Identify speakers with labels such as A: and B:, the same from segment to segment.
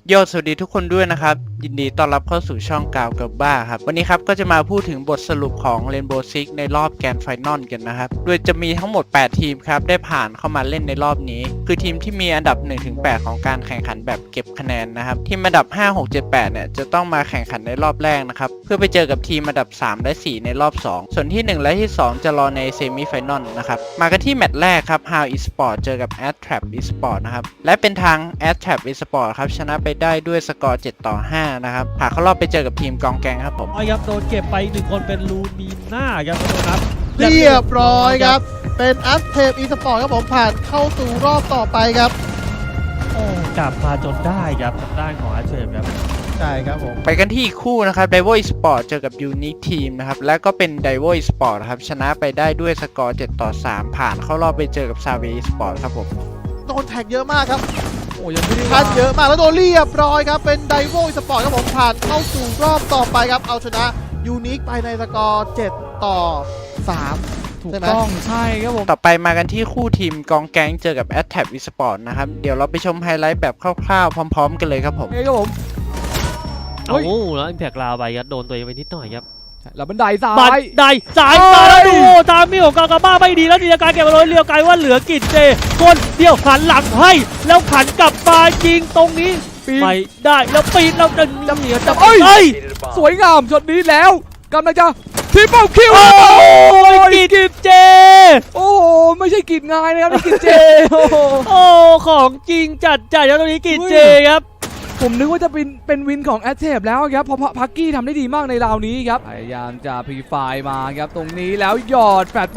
A: โยสวัสดีทุกคนด้วยนะครับยินดีต้อนรับเข้าสู่ช่องกาวกับบ้าครับวันนี้ครับก็จะมาพูดถึงบทสรุปของ Rainbow Six ในรอบแกรนด์ไฟนอลกันนะครับโดยจะมีทั้งหมด8ทีมครับได้ผ่านเข้ามาเล่นในรอบนี้คือทีมที่มีอันดับ 1-8 ของการแข่งขันแบบเก็บคะแนนนะครับทีมอันดับ 5 6 7 8 เนี่ยจะต้องมาแข่งขันในรอบแรกนะครับเพื่อไปเจอกับทีมอันดับ 3 และ 4 ในรอบ 2 ส่วนที่ 1 และที่ 2 จะรอในเซมิไฟนอลนะครับมากันที่แมตช์แรกครับ How Esport เจอกับ Adtrap Esport นะครับและเป็นทาง Adtrap Esport ครับชนะไปได้ด้วยสกอร์7-5 นะครับผ่านเข้ารอบไปเจอกับทีมกองแกงครับผม
B: ครับโดนเก็บไป1คนเป็นลูมีน่าครับทุกคนครับ
C: เรียบร้อยครับเป็นอัพเทปอีสปอร์ตครับผมผ่านเข้าสู่รอบต่อไปครับ
B: โอ้กลับมาจนได้ครับทางด้านของอาร์เชฟครับ
C: ใช่ครับผม
A: ไปกันที่อีกคู่นะครับ Divo Esport เจอกับ Unique Team นะครับและก็เป็น Divo Esport ครับชนะไปได้ด้วยสกอร์7-3 ผ่านเข้ารอบไปเจอกับ Savvy Esport ครับผม
C: โดนแท็กเยอะมากครับ
B: โอ้ยังไม่ได้
C: พัดเยอะมากแล้วโดนเรียบร้อยครับเป็นไดโวอีสปอร์ตครับผมผ่านเข้าสู่รอบต่อไปครับเอาชนะยูนิคไปในสกอร์7-3
B: ถูกต้องใช่ครับผม
A: ต่อไปมากันที่คู่ทีมกองแก๊งเจอกับ Adtrap Esport นะครับเดี๋ยวเราไปชมไฮไลท์แบบคร่าวๆพร้อมๆกันเลยครับผม
C: ครับผม
B: เอาแล้วอิมแพกลาวไปครับโดนตัวเองไปนิดหน่อยครับ
C: แล้วบันไดซ้าย
B: บันไดซ้ายแล้วดูทางมีของกากาบ้าไม่ดีแล้วดีการเก็บมาเลยเรียวไกลว่าเหลือกิจเจคนเดียวหันหลังให้แล้วขันกลับมายิงตรงนี้ไม่ได้แล้วปีนแล้วจะเหนียวจะ
C: สวยงามช็อตนี้แล้วกำลังจะทริปเปิลคิว
B: กิจเจ
C: โอ้ไม่ใช่กิจง่ายนะครับนี่กิจเจ
B: โอ้ของจริงจัดใจแล้วตรงนี้กิจเจครับ
C: ผมนึกว่าจะเป็นวินของแอตเทปแล้วครับเพราะพักกี้ทำได้ดีมากในราวนี้ครับพยายามจะพรีไฟมาครับตรงนี้แล้วหยอดแฟดไป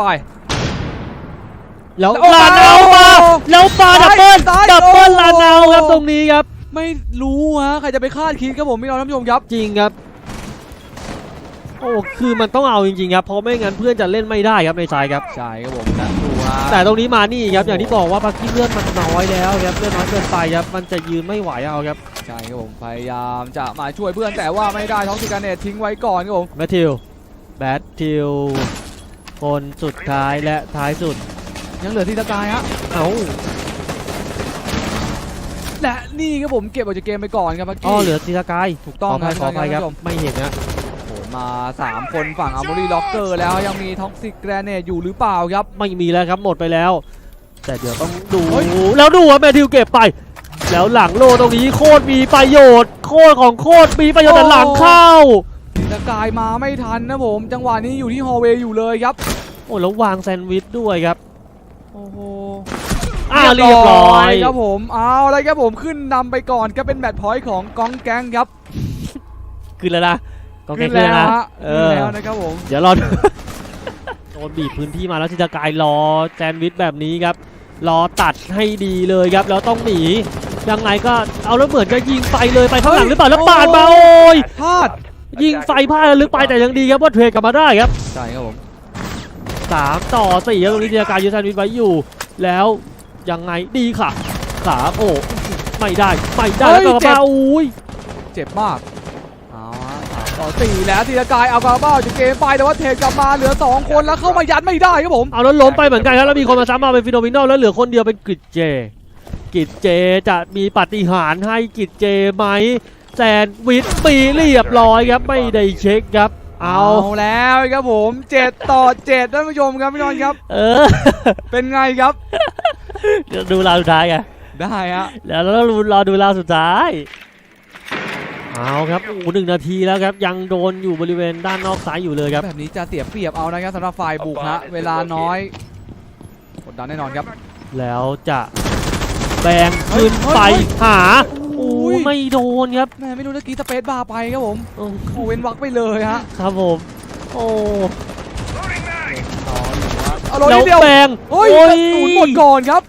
B: แล้วลาเนามาแล้วปาดับเบิลลาเนาครับตรงนี้ครับ
C: ไม่รู้ฮะใครจะไปคาดคิดครับผมพี่น้องท่านผู้ชมครับ
B: จริงครับโอ้คือมันต้องเอาจริงๆครับเพราะไม่งั้นเพื่อนจะเล่นไม่ได้ครับในสายครับ
C: ใช่ครับผมดูฮะ
B: แต่ตรงนี้มานี่ครับอย่างที่บอกว่าพักกี้เลือดมันน้อยแล้วครับเลือดน้อยเกินไปครับมันจะยืนไม่ไหวเอาครับ
C: ใช่ครับผมพยายามจะมาช่วยเพื่อนแต่ว่าไม่ได้ท้องสิการเนตทิ้งไว้ก่อนครับผม
B: แบททิลคนสุดท้ายและท้ายสุด
C: ยังเหลือทีตะกายฮะและนี่ครับผมเก็บออกจากเกมไปก่อนครับพักกี้
B: เหลือทีตะกาย
C: ถูกต้อง
B: ขออภัยครับไม่เห็นนะ
C: มา3คนฝั่งอาร์มอรี่ล็อกเกอร์แล้วยังมีท็อกซิกแกรเนตอยู่หรือเปล่าครับ
B: ไม่มีแล้วครับหมดไปแล้วแต่เดี๋ยวต้องดูแล้วดูว่าแมทธิวเก็บไปแล้วหลังโลตรงนี้โคตรมีประโยชน์โคตรมีประโยชน์แต่หลังเข้า
C: สกายมาไม่ทันนะผมจังหวะนี้อยู่ที่ฮอลเวย์อยู่เลยครับ
B: โอ้แล้ววางแซนด์วิชด้วยครับ
C: โอ้โห
B: เรียบร้อย
C: ครับผมเอาอะไรครับผมขึ้นนำไปก่อนก็เป็นแมตช์พอยต์ของกองแก๊งครับ
B: ขึ้นแล้วนะ
C: ก็แค่แล้วแล้วนะครับผม
B: เดี๋ยวรอโดนบีบพื้นที่มาแล้วทิตากายรอแซนด์วิชแบบนี้ครับรอตัดให้ดีเลยครับแล้วต้องหนียังไงก็เอาแล้วเหมือนจะยิงไฟเลยไปข้างหลังหรือเปล่าแล้วปาดมาโอ้ย
C: พลาด
B: ยิงไฟพลาดลึกไปแต่ยังดีครับว่าเทรดกลับมาได้ครับ
C: ใช่ครับผม
B: 3-4ครับตรงนี้ทิตากายยืนแซนด์วิชไว้อยู่แล้วยังไงดีค่ะขาโอ้ไม่ได้แล้วก็มาอุ้ย
C: เจ็บมาก4แล้วทีละกายเอากาบ้าจากเกมไปแต่ว่าเทกลับมาเหลือ2คนแล้วเข้ามายัดไม่ได้ครับผม
B: เอาแล้วล้มไปเหมือนกันครับแล้วมีคนมาซ้ำมาเป็นฟิโนมินอลแล้วเหลือคนเดียวเป็นกิจเจจะมีปาฏิหาริย์ให้กิจเจไหมแซนวิชปีเรียบร้อยครับไม่ได้เช็คครับ
C: เอาแล้วครับผม7-7ท่านผู้ชมครับพี่นนท์ครับเป็นไงครับ
B: ดูราวสุดท้ายไง
C: ได้ฮะ
B: แล้วเรารอดูราวสุดท้ายเอาครับ1 นาทีแล้วครับยังโดนอยู่บริเวณด้านนอกซ้ายอยู่เลยครับ
C: แบบนี้จะเสียเปรียบเอานะครับสำหรับฝ่ายบุกฮะเวลาน้อยกดดันแน่นอนครับ
B: แล้วจะแบงขึ้นไปหาไม่โดนครับ
C: แม่ไม่รู้ตะกี้สเปซบาร์ไปครับผมเว้นวักไปเลยฮะ
B: ครับผม
C: แล้ว
B: แบง
C: ศูนย์หมดก่อนครับ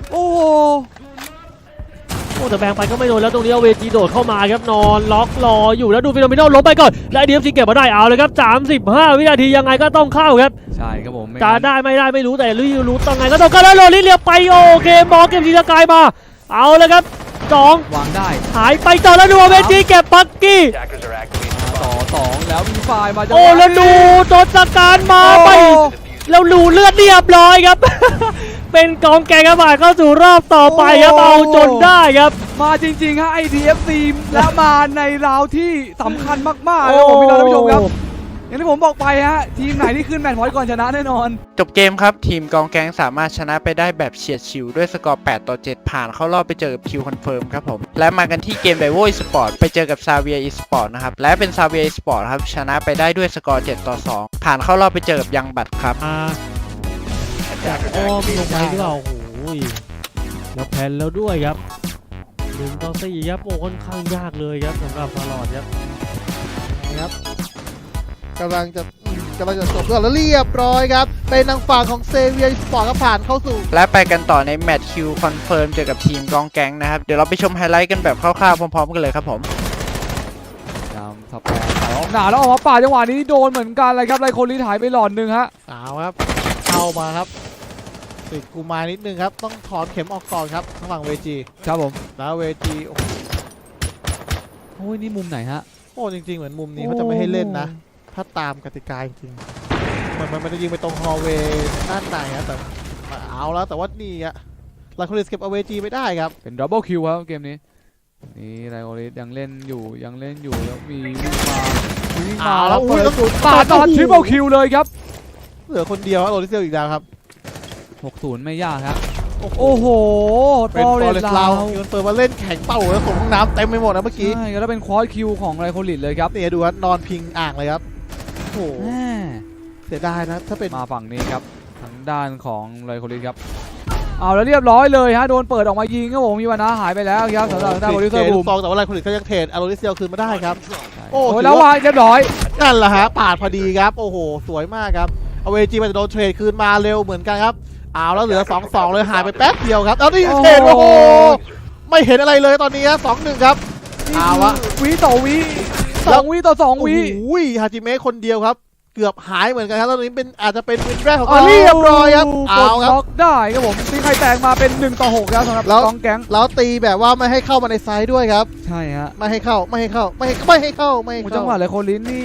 B: แต่แบงไปก็ไม่โดนแล้วตรงนี้เอาเวทีโดดเข้ามาครับนอนล็อกรออยู่แล้วดูฟิโนมินอลล้มไปก่อนและดีเอฟซีเก็บมาได้เอาเลยครับ35 วินาทียังไงก็ต้องเข้าครับ
C: ใช่ครับผม
B: จะได้ไม่ได้ไม่รู้แต่รู้ต้องไงก็ต้องเข้าแล้วโรลิเลียไปโอเคมอเก็บทีละกายมาเอาเลยครับ2
C: วางได้
B: หายไปต่อแล้วดูเวทีเก็บปักกี้
C: ต่อ2แล้วมีไฟมา
B: แล้วดูโดนสการมาไปแล้วรูเลือดเรียบร้อยครับเป็นกองแกงกระบาดเข้าสู่รอบต่อไปครับเอาจนได้ครับ
D: มาจริงๆฮะ IDFC และมาในราวที่สำคัญมากๆนะครับผมพี่น้องท่านผู้ชมครับอย่างที่ผมบอกไปฮะทีมไหนที่ขึ้นแมตช์พอยต์ก่อนชนะแน่นอน
A: จบเกมครับทีมกองแก๊งสามารถชนะไปได้แบบเฉียดฉิวด้วยสกอร์8-7ผ่านเข้ารอบไปเจอกับคิวคอนเฟิร์มครับผมและมากันที่เกมไดโว Esport ไปเจอกับซาเวีย Esport นะครับและเป็นซาเวีย Esport ครับชนะไปได้ด้วยสกอร์7-2ผ่านเข้ารอบไปเจอกับยังบัตครับ
B: จากอ้อมลงไปหรือเปล่าโอ้โหแล้วแพนแล้วด้วยครับ1-4ครับโอ้ค่อนข้างยากเลยครับสำหรับฟาลอดครับ
C: นะครับกำลังจะจบแล้วเรียบร้อยครับเป็นทางฝั่งของเซเวียสปอร์ตก็ผ่านเข้าสู่
A: และไปกันต่อในแมตช์คิวคอนเฟิร์มเจอกับทีมกองแก๊งนะครับเดี๋ยวเราไปชมไฮไลท์กันแบบคร่าวๆพร้อมๆกันเลยครับผม
D: ตามสแปรใส่ออกหนาแล้วออกมาป่าดจังหวะนี้โดนเหมือนกันเลยครับไลโคลิสหายไปหลอดหนึ่งฮะ
C: เอาครับเข้ามาครับติดกูมานิดนึงครับต้องถอนเข็มออกก่อนครับทางฝั่งเวจี
D: ครับผม
C: แล้วเวจีโอ้โห
D: โอ้ยนี่มุมไหนฮะ
C: จริงๆเหมือนมุมนี้เขาจะไม่ให้เล่นนะถ้าตามกติกาจริงๆเหมือนมันจะยิงไปตรงฮอลเวย์ด้านในครับแต่เอาแล้วแต่ว่านี่อะไลโคลิสเก็บเอาเวจีไม่ได้ครับ
D: เป็นดับเบิลคิวครับเกมนี้นี่ไลโคลิสยังเล่นอยู่แล้วมีวิ่งมา
C: เอาแล้วอุ้ย
D: เปิ
C: แล้ว
D: ดปาดมาทริปเปิลคิวเลยครับ
C: เหลือคนเดียวครับโรลิเซียลอีกแล้วครับ
D: 60ไม่ยากครับโอ้โห
C: เป็น
D: ฟ
C: ฟ
D: อ
C: อ
D: ร์
C: เร
D: เร
C: ส
D: ส
C: ต์
D: ลา
C: เรา
D: ว
C: โยนเปิดมาเล่นแข่งเป้าแล้วส่งห้องน้ำเต็มไปหมดนะเมื่อกี้
D: ใช่แล้วเป็นควอดคิวของไลโคลิสเลยครับ
C: นี่ดูครับนอนพิงอ่างเลยครับโอ้โห
D: แม่
C: เสียดายนะถ้าเป็น
D: มาฝั่งนี้ครับทางด้านของไลโคลิสครับเอาแล้วเรียบร้อยเลยฮะโดนเปิดออกมายิงครับผมมีวันนะหายไปแล้วครับสำหรับทางด้านโรลิเซอร์บูม
C: ฟองแต่ว่าไลโคลิสก็ยังเทรดอาโรลิเซียลคืนมาได้ครับ โอ้
D: โอ้
C: ถือว่า
D: แล้ววางเรียบร้อย
C: นั่นแหละฮะปาดพอดีครับโอ้โหสวยมากครับเอาเวจีมันจะโดนเทรดคืนมาเร็วเหมือนกันครับเอาแล้วเหลือ 2-2 เลยหายไปแป๊บเดียวครับเอาดิเทรดโอ้โหไม่เห็นอะไรเลยตอนนี้ฮะ 2-1 ครับเอาวะ
D: วิต่อวิ2 วิต่อ2 วิ
C: โอ้ยฮาจิเมะคนเดียวครับเกือบหายเหมือนกันครับตอนนี้เป็นอาจจะเป็นวินแรกของเขาเรียบร้อยครับ
D: ก
C: เอา
D: ด
C: ครับ
D: ล็อกได้ครับผมตีใครแตกมาเป็น1-6แล้วสำหรับ
C: แล้ว
D: กองแก๊ง
C: แล้วตีแบบว่าไม่ให้เข้ามาในไซด์ด้วยครับ
D: ใช่ฮะ
C: ไม่ให้เข้า
D: จังหวะเลยโคลินนี่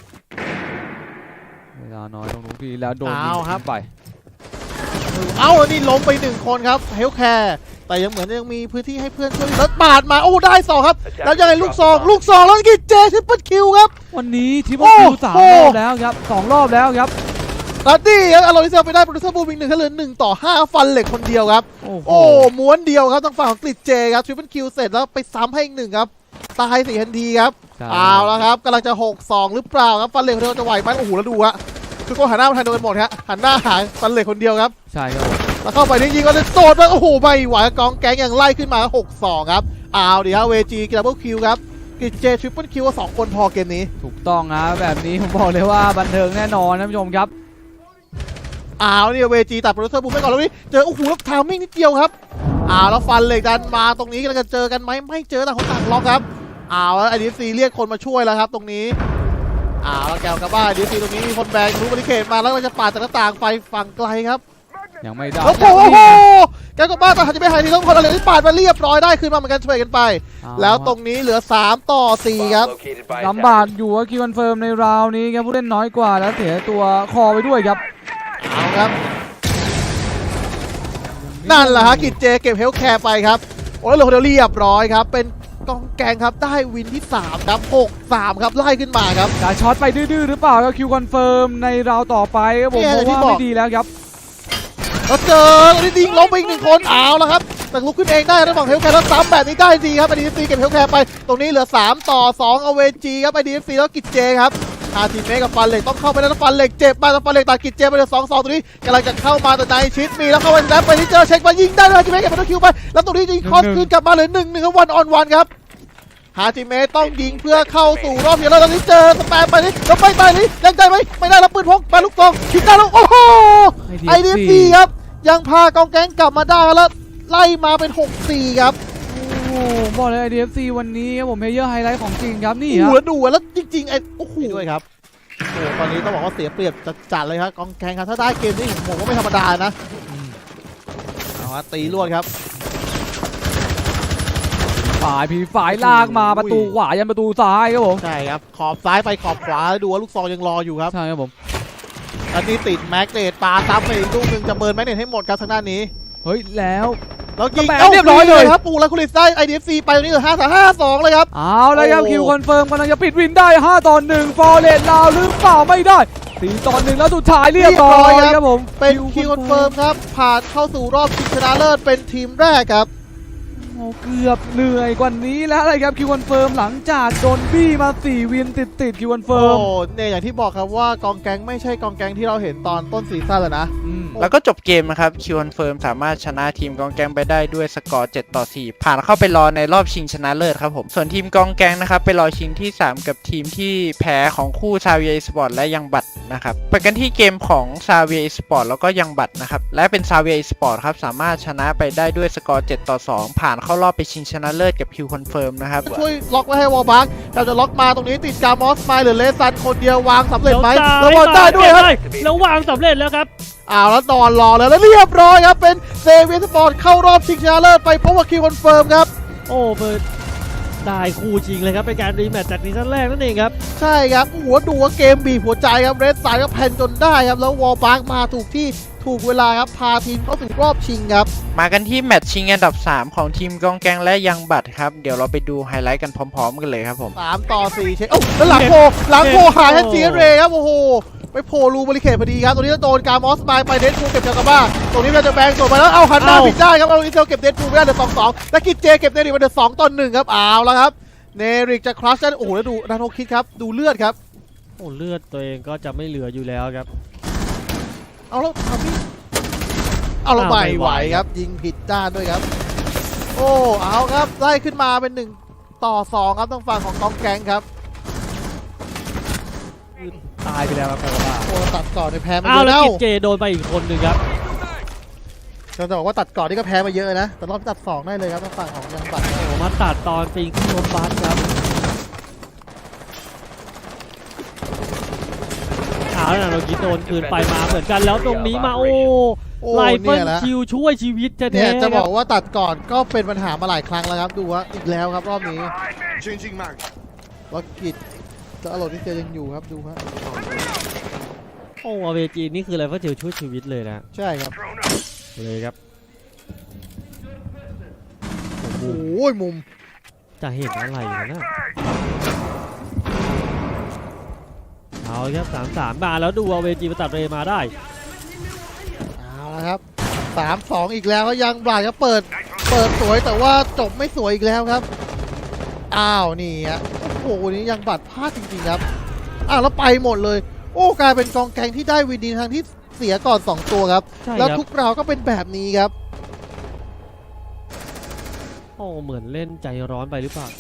D: เวลาน้อยตรงนู้นทีแล้วโดนยิงไป
C: เอาแล้วนี่ล้มไป1 คนครับเฮลแคร์แต่ยังเหมือนยังมีพื้นที่ให้เพื่อนช่วยแล้วปาดมาโอ้ได้2ครับแล้วยังไงลูกซองแล้วกิจเจทริปเปิลคิวครับ
D: วันนี้ทิปเปิลคิว3 รอบแล้วครับ2 รอบแล้วครับ
C: แล้วนี่ครับอารอริเซลไปได้โปรดิวเซอร์บูมอีก1เหลือ1-5ฟันเหล็กคนเดียวครับโอ้ม้วนเดียวครับทางฝั่งของกลิจเจครับทริปเปิลคิวเสร็จแล้วไปซ้ำให้อีก1ครับตาย4ทันทีครับเอาแล้วครับกำลังจะ6-2หรือเปล่าครับฟันเหล็กคนเดียวจะไหวไหมโอ้โหแล้วดูฮะทุกคนหันหน้ามาทางเดียวกันหมดฮะหันหน้าหาฟันเหล็กคนเดียวครับ
D: ใช่ครับ
C: แล้วเข้าไปนี่ยิงก็เลยโดดมาโอ้โหไม่ไหวกองแก๊งยังไล่ขึ้นมา6-2ครับเอาดิครับเวจีดับเบิลคิวครับกิจเจทริปเปิลคิว2 คนพอเกมนี้
D: ถูกต้องนะแบบนี้ผมบอกเลยว่าบันเทิงแน่นอนท่านผู้ชมครับ
C: เอาเนี่ยเวจีตัดโปรดิวเซอร์บูมไปก่อนแล้วนี่เจอโอ้โหแล้วทามมิ่งนิดเดียวครับแล้วฟันเหล็กดันมาตรงนี้กำลังจะเจอกันไหมไม่เจอต่างคนต่างล็อกครับแล้วไอดีซีเรียกคนมาช่วยแล้วครับตรงนี้แล้วแกวกับบ้านไอดีซีตรงนี้มีคนแบงรู้บริเคตมาแล้วก็จะปาดจากหน้าต่างไฟฝั่งไกลครับ
D: ยังไม่ได้
C: โอ้โหแกวกับบ้านตอนจะไม่หายทีต้องคนอะไรที่ปาดมาเรียบร้อยได้คืนมาเหมือนกันช่วยกันไป แล้วตรงนี้เหลือ3-4ครับ
D: ลำบากอยู่ว่าคิวคอนเฟิร์มในราวนี้ครับผู้เล่นน้อยกว่าแล้วเสียตัวคอไปด้วยครับ
C: เอาครับนั่นแหละฮะกิจเจเก็บเฮลแคร์ไปครับโอ้แล้วเหลือคนเดียวเรียบร้อยครับเป็นกองแกงครับได้วินที่3ครับ6-3ครับไล่ขึ้นมาครับ
D: จะช็อตไปดื้อๆหรือเปล่าครับคิวคอนเฟิร์มในราวต่อไปครับผม
C: เนี่ย
D: เพราะ
C: ที่
D: ว่า
C: บอก
D: ไม่ดีแล้วครับ
C: แล้วเจอตรงนี้ยิงล้มไปอีก1 คนเอาแล้วครับแต่ลุกขึ้นเองได้ระหว่างเฮลแคร์แล้วซ้ำแบบนี้ได้จริงครับไอดีเอฟซีเก็บเฮลแคร์ไปตรงนี้เหลือ3-2เอาเวจีครับไอดีเอฟซีแล้วกิจเจครับทีมเมกับฟันเหล็กต้องเข้าไปแล้วฟันเหล็กเจ็บมาแล้วฟันเหล็กตัดกิจเจไปเหลือ2-2ตรงนี้กำลังจะเข้ามาแต่นายชิดมีแล้วเข้าไปแล้วไปที่เจอเช็คมายิงได้เลยทีมเมเก็บมาคิวไปแล้วตรงนี้ยิงคอสคืนกลับมาเหลือ1-1ครับวันออนวันครับฮาจิเมะต้องยิงเพื่อเข้าสู่รอบเดียวแล้วตอนนี้เจอสแปมไปนี่แล้วไปนี่ยังได้ไหมไม่ได้แล้วปืนพกไปลูกซองคิดได้แล้วโอ้โหไอเดียดีครับยังพากองแก๊งกลับมาได้แล้วไล่มาเป็น6-4ครับ
D: โอ้บอกเลย IDFC วันนี้ครับผมเพลเยอร์ไฮไลท์ของจริงครับนี่
C: โอ้
D: ค
C: โห
D: รับ
C: แล้วดูแล้วจริงๆไอ้โอ้โหด้วยครับโอ้ตอนนี้ต้องบอกว่าเสียเปรียบจัดเลยครับกองแก๊งครับถ้าได้เกมนี้ผมว่าไม่ธรรมดานะเอาฮะตีรวดครับ
D: ฝ่ายลากมาประตูขวายันประตูซ้ายครับผม
C: ใช่ครับขอบซ้ายไปขอบขวาดูว่าลูกซองยังรออยู่ครับ
D: ใช่ครับผม
C: อันนี้ติดแม็กเนตปาซ้ำไปอีกลูกหนึ่งจะเบิร์นแม็กเนตให้หมดครับทางด้านนี้
D: เฮ้ยแล้ว
C: แล้วยิง
D: แปะเรียบร้อยเลย
C: ครับปูแล้วคุริสได้ IDFC ไปตรงนี้เหลือ5-2เลยครับ
D: เอาแล้วครับ
C: โอ้
D: คิวคอนเฟิร์มกำลังจะปิดวินได้5-1ฟอร์เรสลาวหรือเปล่าไม่ได้4-1แล้วสุดท้ายเรียบร้อยครับผม
C: เป็นคิวคอนเฟิร์มครับผ่านเข้าสู่รอบชิงชนะเลิศเป็นทีมแรกครับ
D: โอ้เกือบเหนื่อยกว่านี้แล้วเลยครับคิวคอนเฟิร์มหลังจากโดนบี้มา4วินติดคิวคอนเฟิ
C: โอ้
D: ร์ม
C: เนี่ยอย่างที่บอกครับว่ากองแก๊งไม่ใช่กองแก๊งที่เราเห็นตอนต้นซีซั่นเลยนะ
A: แล้วก็จบเกมนะครับคิวคอนเฟิร์มสามารถชนะทีมกองแกงไปได้ด้วยสกอร์7-4ผ่านเข้าไปรอในรอบชิงชนะเลิศครับผมส่วนทีมกองแกงนะครับไปรอชิงที่ 3 กับทีมที่แพ้ของคู่ซาเวียสปอร์ตและยังบัตนะครับไปกันที่เกมของซาเวียสปอร์ตแล้วก็ยังบัตนะครับและเป็นซาเวียสปอร์ตครับสามารถชนะไปได้ด้วยสกอร์7-2ผ่านเข้ารอบไปชิงชนะเลิศกับคิวคอนเฟิร์มนะครับ
C: ช่วยล็อกไว้ให้วอลบักเราจะล็อกมาตรงนี้ติดกามอสไมล์หรือเลซันคนเดียววางสำเร็จไหม
B: แล้
C: แล้ว วบอลได้ด้วยครับ
B: แล้ววางสำเร็จแล้วครับ
C: แล้วนอนรอแล้วเรียบร้อยครับเป็นเซเวียสปอร์ตเข้ารอบชิงชนะเลิศไปเพราะว่าคิวคอนเฟิร์มครับ
B: โอ้เปิดได้คู่จริงเลยครับเป็นการรีแมตช์จากซีซั่นแรกนั่นเองครับ
C: ใช่ครับหัวดูว่าเกมบีบหัวใจครับเรดสายก็แพนจนได้ครับแล้ววอลบักมาถูกที่ถูกเวลาครับพาทีมเข้าสู่รอบชิงครับ
A: มากันที่แมตช์ชิงอันดับ 3 ของทีมกองแกงและยังบัตครับเดี๋ยวเราไปดูไฮไลท์กันพร้อมๆกันเลยครับผม
C: 3-4เช็คแล้วหลังโผหายทันทีเรครับโอ้โหไปโผล่รูบริเคทพอดีครับตรงนี้จะโดนกามอสไมล์ไปเดดพูลเก็บจากกาบ้าตรงนี้เราจะแบงส่งไปแล้วเอาหันหน้าผิดได้ครับเอาอินเทลเก็บเดดพูลไม่ได้เหลือ2-2และกิจเจเก็บเนริกมาเหลือ2-1ครับเอาแล้วครับเนริกจะคลัชได้โอ้โหแล้วดูนาโนคิดครับดูเลือดครับ
B: โอ้เลือดตัวเองก็จะไม่เหลืออยู่แล้วครับ
C: เอาแล้วทำนี่เอาแล้วไม่ไหวครับยิงผิดด้านด้วยครับโอ้เอาครับไล่ขึ้นมาเป็น1-2ครับต้องฝั่งของกองแกงครับ
D: ตายไปแล้วครับกาบ้า
C: โอ้ตัดก่อนในแพ้มา
B: อ้า
C: เยว อะ
B: แล้
C: แล้ว ว
B: กิจเจโดนไปอีกคนหนึ่งครับ
C: จะบอกว่าตัดก่อนนี่ก็แพ้มาเยอะนะแต่รอบตัด2ได้เลยครับต้องฝั่งของยังบัตร
B: โอ้มาตัดตอนปีนขึ้นรถบัสครับแล้วเราคิดโดนคืนไปมาเหมือนกันแล้วตรงนี้มาโอ้ไลเฟิลคิวช่วยชีวิตจะ
C: เนี่ย
B: แท้
C: จะบอกว่าตัดก่อนก็เป็นปัญหามาหลายครั้งแล้วครับดูว่าอีกแล้วครับรอบนี้ล็อกกิจแล้วอารมณ์ที่เจอยังอยู่ครับดูครับ
B: โอ้อเวจีนี่คือไลเฟิลคิวช่วยชีวิตเลยนะ
C: ใช่ครับ
B: เลยครับ
C: โอ้ยมุม
B: จะเห็นอะไรนะเอาครับ3-3มาแล้วดูเอาเวจีมาตัดเรมาได้
C: เอาละครับ3-2อีกแล้วก็ยังบลาดครับเปิดสวยแต่ว่าจบไม่สวยอีกแล้วครับอ้าวนี่ฮะโอ้โหนี่ยังบัตรพลาดจริงๆครับแล้วไปหมดเลยโอ้กลายเป็นกองแกงที่ได้วินดีทางที่เสียก่อน2ตัวครับ
B: ใช่ครับ
C: แล้วทุกราวก็เป็นแบบนี้ครับ
B: โอ้เหมือนเล่นใจร้อนไปหรือเปล่า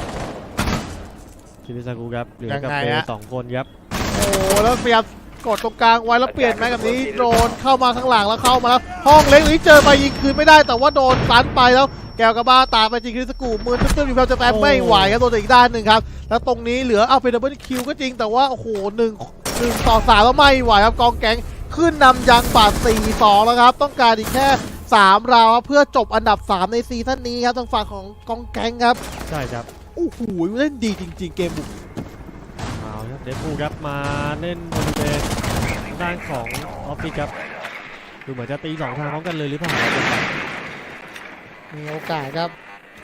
B: คิริซากุครับเหลือกับ
C: ยังไง
B: เบ
C: ฮะ
B: สองคนครับ
C: โอ้แล้วพยายามกดตรงกลางไว้แล้วเปลี่ยนแม็กแบบนี้โดนเข้ามาข้างหลังแล้วเข้ามาแล้วห้องเล็กนี้เจอไปยิงคืนไม่ได้แต่ว่าโดนตันไปแล้วแกวกระบ้าตามไปจริงคริสกูมือตึ้มๆอยู่ครับจะแปมไม่ไหวครับโดนอีกด้านหนึ่งครับแล้วตรงนี้เหลือเอาเป็นดับเบิลคิวก็จริงแต่ว่าโอ้โห1-3แล้วไม่ไหวครับกองแก๊งขึ้นนำยังบาด4-2แล้วครับต้องการอีกแค่3ราวครับเพื่อจบอันดับ3ในซีซั่นนี้ครับทางฝั่งของกองแก๊งครับ
B: ใช่ครับ
C: โอ้โหเล่นดีจริงๆเกมบุก
B: เอาครับเดฟพูครับมาเล่นบริเวณด้านของออฟฟิศครับดูเหมือนจะตี2ทางพร้อมกันเลยหรือเปล่าครับ
C: มีโอกาสครับ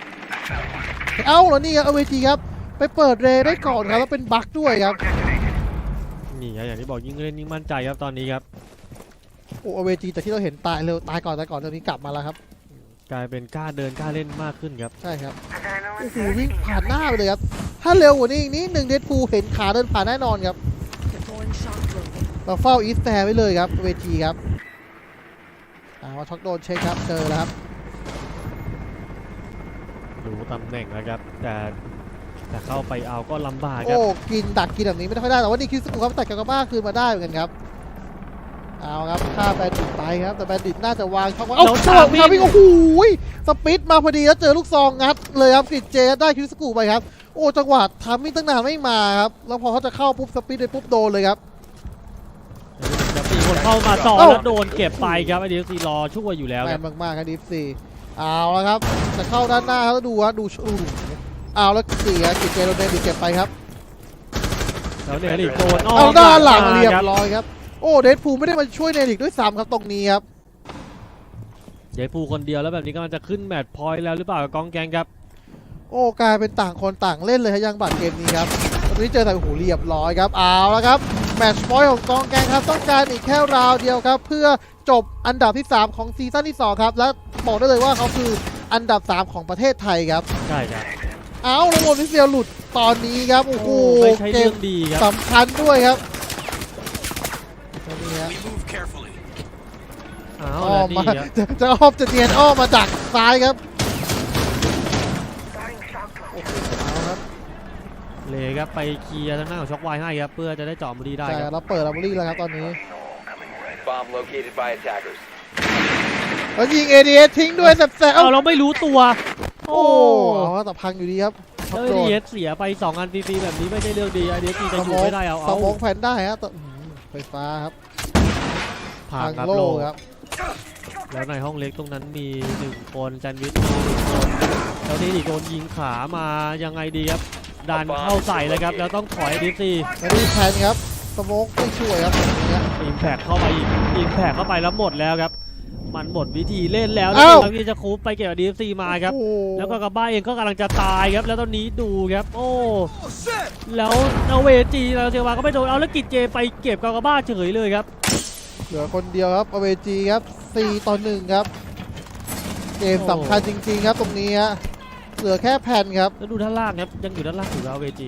C: แล้วนี่ครับเอาเวทีครับไปเปิดเรย์ได้ก่อนครับแล้วเป็นบั๊กด้วยครับ
B: นี่ครับอย่างที่บอกยิ่งเล่นยิ่งมั่นใจครับตอนนี้ครับ
C: โอ้เอาเวทีแต่ที่เราเห็นตายเร็วตายก่อนตอนนี้กลับมาแล้วครับ
B: กลายเป็นกล้าเดินกล้าเล่นมากขึ้นครับ
C: ใช่ครับโอ้โหวิ่งผ่านหน้าไปเลยครับถ้าเร็วกว่านี้อีกนิดหนึ่งเดดพูลเห็นขาเดินผ่านแน่นอนครับเราเฝ้าอีสแตร์ไว้เลยครับเวทีครับว่าช็อกโดนเช็คครับเจอแล้วครับ
B: ดูตำแหน่งแล้วครับแต่เข้าไปเอาก็ลำบากค
C: โอ้
B: รับ
C: กินดักกินแบบนี้ไม่ค่อยได้แต่ว่านี่คิดสกูครับแต่กากาบ้าคืนมาได้เหมือนกันครับเอาครับฆ่าแบนดิตไปครับแต่แบนดิตน่าจะวางช่องว่างเอ้าช่องครับพี่โอ้โหสปิดมาพอดีแล้วเจอลูกซองงัดเลยครับกริดเจได้คิวสกูไปครับโอ้จังหวะทำมิ่งตั้งนานไม่มาครับแล้วพอเขาจะเข้าปุ๊บสปิดไปปุ๊บโดนเลยครับ
B: จะมีคนเข้ามาต่อแล้วโดนเก็บไปครับไอเดียซีรอช่วยอยู่แล้ว
C: แม
B: ครับ
C: นมากๆครับดิฟซีเอาแล้วครับจะเข้าด้านหน้าครับแล้วดูว่าดูเอาแล้วเสียกริดเจโดนเดนดิเก็บไปครับ
B: แล้วเนริกโดน
C: เอาด้านหลังเรียบร้อยครับโอ้เดดพูลไม่ได้มาช่วยเนริกด้วยซ้ำครับตรงนี้ครับ
B: เดี๋ยวปูคนเดียวแล้วแบบนี้ก็มันจะขึ้นแมตช์พอยต์แล้วหรือเปล่ากับกองแกงครับ
C: โอ้กลายเป็นต่างคนต่างเล่นเลยครับยังบัตรเกมนี้ครับตอนนี้เจอแต่โอ้โหเรียบร้อยครับเอาแล้วครับแมตช์พอยต์ของกองแกงครับต้องการอีกแค่ราวเดียวครับเพื่อจบอันดับที่ 3 ของซีซั่นที่ 2 ครับและบอกได้เลยว่าเขาคืออันดับ 3 ของประเทศไทยครับ
B: ใช่ครับ
C: เอาแล้วโมนิเซียหลุดตอนนี้ครับโอ้โห
B: ไม่ใช่
C: เก
B: เรื่
C: ม
B: องดีครับ
C: สำคัญด้วยครับตอนนี้ฮะ
B: อ้าว
C: อ้อ
B: แล้ว
C: มมา
B: นี่ครับ
C: จะอ้อมจะเนียนอ้อมมาจากซ้ายครับโอ้โหเอาครับ
B: เลยครับไปเคลียร์ทางหน้าของช็อคไวให้ครับเพื่อจะได้เจาะบุรีได้
C: ใช่
B: ครับ
C: เราเปิดอาร์เบอรี่แล้วครับตอนนี้
E: Bomb located by attackers.
C: แล้วยิง ADS ทิ้งด้วยแสบๆ
B: เอาเราไม่รู้ตัว
C: โอ้เอาแต่พังอยู่ดีครับ
B: แล้ว
C: โดน
B: ดีเอสเสียไป2อันฟรีๆแบบนี้ไม่ใช่เรื่องดีไอเดียจะอยู่ไม่ได้เอา
C: สมองแผ่นได้ฮะแต่ไฟฟ้าครับ
B: ผ่านครับ
C: โล่
B: โล
C: ครับ
B: แล้วในห้องเล็กตรงนั้นมี1คนแซนด์วิชมี1คนแล้วนี่อีกโดนยิงขามายังไงดีครับดันเข้าใส่เลยครับแล้วต้องถอยดิฟซี
C: ไม่ได้แทนครับสโมกไม่ช่วยครับอย่างเงี้ย
B: อิมแพกเข้าไปอีกอิมแพกเข้าไปแล้วหมดแล้วครับมันหมดวิธีเล่นแล้ว
C: อ้าว
B: แล้วที่จะคูปไปเก็บดีฟซีมาครับ
C: โอ้โห
B: แล้วก็กระบ้าเองก็กำลังจะตายครับแล้วตอนนี้ดูครับโอ้แล้วเอาเวจีเราเซวาก็ไม่โดนเอาแล้วกิจเจไปเก็บกากาบ้าเฉยเลยครับ
C: เหลือคนเดียวครับอเวจีครับ4-1ครับเกมสำคัญจริงๆครับตรงนี้ฮะเหลือแค่แผ่นครับ
B: แล้วดูด้านล่างครับยังอยู่ด้านล่างอยู่แล้วเวจี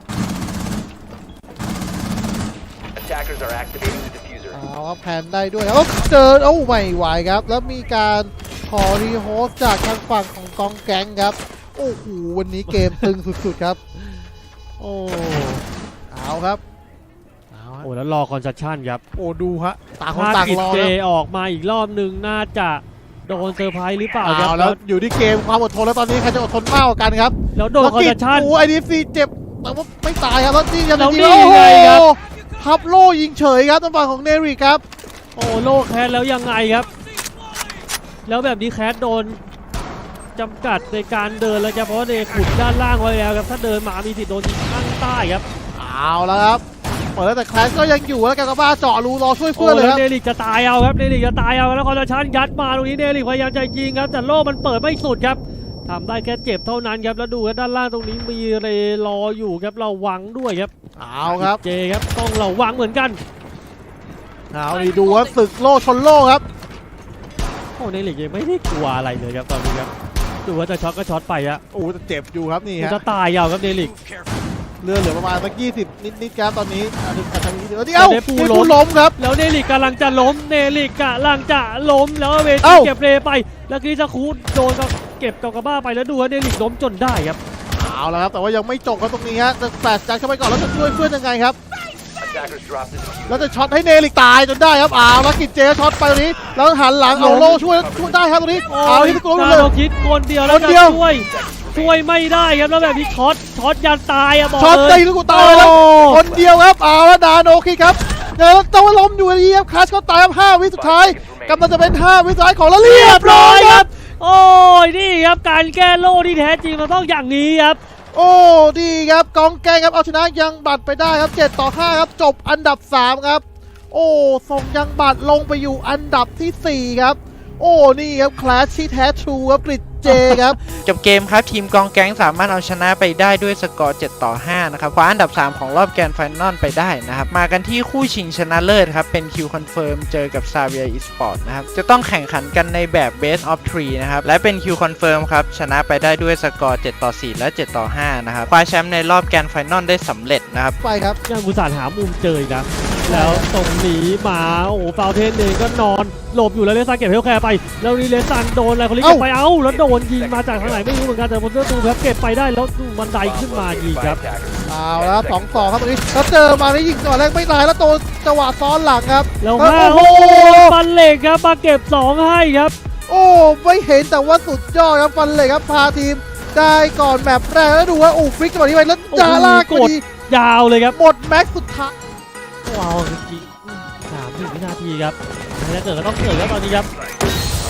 E: Attackers are activating the diffuser.
C: เอาครับแผ่นได้ด้วยครับเจอโอ้ไม่ไหวครับแล้วมีการขอรีโฮสต์จากทางฝั่งของกองแก๊งครับโอ้โหวันนี้เกมตึงสุดๆครับ
B: โอ้
C: เอาครับเอาฮะ
B: โอ้แล้วรอคอนซัชชั่นครับ
C: โอ้ดูฮะต่างคน
B: ถ้า
C: ต่าง
B: กิจ
C: รอ
B: เจ
C: ครับ
B: ออกมาอีกรอบหนึ่งน่าจะโดนเซอร์ไพรส์หรือเปล่าครั
C: เอา
B: บ
C: แล้วอยู่ที่เกมความอดทนแล้วตอนนี้ใครจะอดทนมากกว่ากันครับ
B: แล้วโดนคอนซัชชั่น
C: โอ้ไอดีซีเจ็บแต่ว่าไม่ตายครับแล้วนี่ยัง
B: แล้ว
C: ยิง
B: นี่
C: โอ้โห
B: ไงครับ
C: พับโล่ยิงเฉยครับทางฝั่งของเนริกครับ
B: โอ้โลแคสแล้วยังไงครับ แล้วแบบนี้แคสโดนจำกัดในการเดินแล้วครับเพราะว่าเดขุดด้านล่างไว้แล้วครับถ้าเดินมามีสิทธิ์โดนยิงข้างใต้ครับ
C: เอาแล้วครับเปิดแต่แคลสก็ยังอยู่แล้วกันกับบ้าเจาะรูรอช่วย
B: โอ้
C: เพื่อนเลย
B: แล้
C: คว รับ
B: เดลิกจะตายเอาครับเดลิกจะตายเอาแล้วคอนซัชชั่นยัดมาตรงนี้เดลิกพยายามจะยิงครับแต่โล่มันเปิดไม่สุดครับทำได้แค่เจ็บเท่านั้นครับแล้วดูครับด้านล่างตรงนี้มีเรรออยู่ครับระวังด้วยครับ
C: เอาครับ
B: เจครับต้องระวังเหมือนกัน
C: เอาดีดูว่าศึกโล่ชนโล่ครับ
B: โอ้เดลิกยังไม่ได้กลัวอะไรเลยครับตอนนี้ครับดูว่าจะช็อตก็ช็อตไปอะ
C: โอ้แต่เจ็บอยู่ครับนี่
B: มัน
C: ฮะ
B: จะตายยาวครับเดลิก
C: เลือดเหลือประมาณสัก20นิดครับตอนนี้อาจจะมีเดี๋ยวเอ้า
B: เดฟู
C: เด
B: ล้
C: ฟู
B: ม
C: ล้มครับ
B: แล้วเดลิกกำลังจะล้มเดลิกกำลังจะล้มแล้วเวที
C: เอ้า
B: เก็บเรไปแล้วคริสคูดโดนก็เก็บกากาบ้าไปแล้วดูว่าเดลิกล้มจนได้ครับ
C: เอาแล้วครับแต่ว่ายังไม่จบครับตรงนี้ฮะจะแฟลชจัดเข้าไปก่อนแล้วจะช่วยเพื่อนยังไงครับ
E: Attackers drop the diffuser.
C: แล้วจะช็อตให้เนริกตายจนได้ครับเอาแล้วกิจเจช็อตไปตรงนี้แล้วหันหลังเอาโล่ช่วยได้ครับตรงนี้เอาที่ตัว
B: นา
C: เลย
B: โนคิดคนเดียวแล้ว
C: คน
B: จะ
C: เดียว
B: ช่วยไม่ได้ครับแล้วแบบนี้ช็อตยันตายอะบอก
C: ช็อต
B: เล
C: ตี
B: ย
C: ลูกกูตายแล้วคนเดียวครับเอาแล้วนาโนคิดครับเดี๋ยวต้องล้มอยู่ดีครับคลาสก็ตายครับ5 วิสุดท้ายกำลังจะเป็น5 วิสุดท้ายของแล้วเรียบร้อยครับ
B: โอ้ยนี่ครับการแก้โล่ที่แท้จริงมันต้องอย่างนี้ครับ
C: โอ้ดีครับกองแกงครับเอาชนะยังบัตรไปได้ครับ7-5ครับจบอันดับ3ครับโอ้ส่งยังบัตรลงไปอยู่อันดับที่4ครับโอ้นี่ครับคลาสที่แท้ทรูครับกริดเจครับ
A: จบเกมครับทีมกองแก๊งสามารถเอาชนะไปได้ด้วยสกอร์ 7-5 นะครับคว้าอันดับ 3 ของรอบแกรนด์ไฟนอลไปได้นะครับมากันที่คู่ชิงชนะเลิศครับเป็นคิวคอนเฟิร์มเจอกับ Xavier Esports นะครับจะต้องแข่งขันกันในแบบ Best of 3 นะครับและเป็นคิวคอนเฟิร์มครับชนะไปได้ด้วยสกอร์ 7-4 และ 7-5 นะครับคว้าแชมป์ในรอบแกรนด์ไฟนอลได้สำเร็จนะครับ
C: ไปครับ
B: ยังกุศลหามุมเจออีกนะแล้วตรงหนีมาโอ้โหฟาวเทนเองก็นอนหลบอยู่แล้วเลซันเก็บเฮลแคร์ไปแล้วนี่เลซันโดนอะไรคนนี้เก็บไปแล้วโดนยิงมาจากทางไหนไม่รู้เหมือนกันแต่พอเจอตูครับเก็บไปได้แล้วดูบันไดขึ้นมายิง
E: By
B: ครับ
E: attackers.
C: เอาแล้ว2-2ครับตรงนี้แล้วเจอมาได้ยิงก่อนแรกไม่ตายแล้วโดนจังหวะซ้อนหลังครับ
B: แล้ว
C: โอ้
B: มา
C: โห
B: โอ้ฟันเหล็กครับมาเก็บ2ให้ครับ
C: โอ้ไม่เห็นแต่ว่าสุดยอดครับฟันเลยครับพาทีมได้ก่อนแมปแรกแล้วดูว่าฟลิกจังหวะนี้ไปแล้วจะลากพอดี
B: ยาวเลยครับ
C: หมดแม็กซ์สุดท้าย
B: ว้าวจริงๆ30 วินาทีครับถ้าเกิดก็ต้องเกิดครับตอนนี้ครับ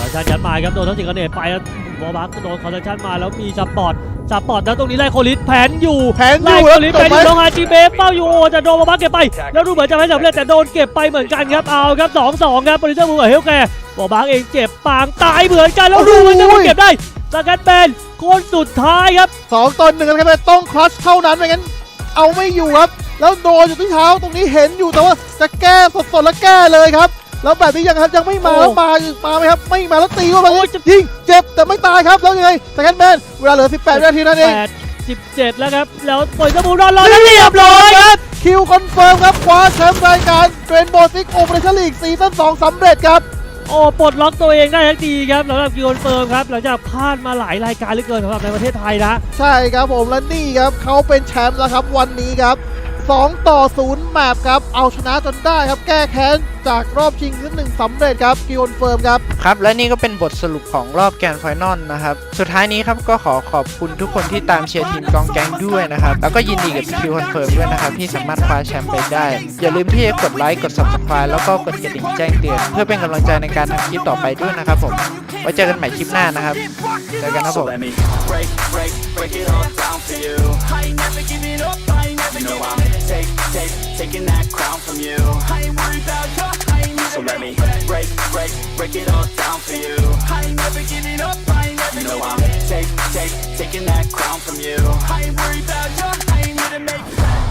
B: อชันยัดมาครับโดนทั้งสิงคเนตไปแล้วบอลบักโดนคอนเทนชั่นมาแล้วมีสปอร์ตแล้วตรงนี้ไล่โคลิสแผนอยู่ ไล่โคลิสแผนอยู่น้องอาจีเบฟเป้าอยู่โอจะโดนบอลบักเก็บไปแล้วดูเหมือนจะไม่สำเร็จแต่โดนเก็บไปเหมือนกันครับเอาครับ 2-2 ครับโปรดิวเซอร์มูกับเฮลแคร์บอลบักเองเจ็บปางตายเหมือนกันแล้วดูเหมือนจะไม่เก็บได้สกัดแบนคนสุดท้ายครับ
C: 2 ต่อ 1กันครับต้องคลัชเท่านั้นไม่งั้นเอาไม่อยู่ครับแล้วโดนอยู่ที่เท้าตรงนี้เห็นอยู่แต่ว่าจะแก้สดๆแล้วแก้เลยครับแล้วแบบนี้ยังไม่มาแล้วมาไหมครับไม่มาแล้วตีเข้าไปยิงเจ็บแต่ไม่ตายครับแล้วยังไงสแกนแมนเวลาเหลือ18 วินาทีนั่นเอง
B: 17 แล้วครับแล้วปล่อยสมูรอนรอแล้วเรียบร้อยครับ
C: คิวคอนเฟิร์มครับคว้าแชมป์รายการเรนโบว์ซิกโอเปอเรชั่นลีกซีซั่น2สำเร็จครับ
B: โอ้ปลดล็อกตัวเองได้ทันทีครับสำหรับคิวคอนเฟิร์มครับหลังจากพลาดมาหลายรายการเหลือเกินสำหรับในประเทศไทยนะ
C: ใช่ครับผมและนี่ครับเขาเป็นแชมป์แล้วครับวันนี้ครับ2-0 แมปครับเอาชนะจนได้ครับแก้แค้นจากรอบชิงที่1สำเร็จครับคิวคอนเฟิร์มครับ
A: ครับและนี่ก็เป็นบทสรุปของรอบแกรนด์ไฟนอลนะครับสุดท้ายนี้ครับก็ขอบคุณทุกคนที่ตามเชียร์ทีมกองแก๊งด้วยนะครับแล้วก็ยินดีกับคิวคอนเฟิร์มด้วยนะครับที่สามารถคว้าแชมป์ไปได้อย่าลืมที่จะกดไลค์กด Subscribe แล้วก็กดกระดิ่งแจ้งเตือนเพื่อเป็นกำลังใจในการทำคลิปต่อไปด้วยนะครับผมไว้เจอกันใหม่คลิปหน้านะครับเจอกันครับผม
F: So let me break it all down for you. I ain't never giving up, I ain't never giving up. Taking that crown from you. I ain't worried about you, I ain't never So let me break it all down for you. I ain't never giving up, I ain't never giving up. I'm taking that crown from you. I ain't worried about you, I ain't here to make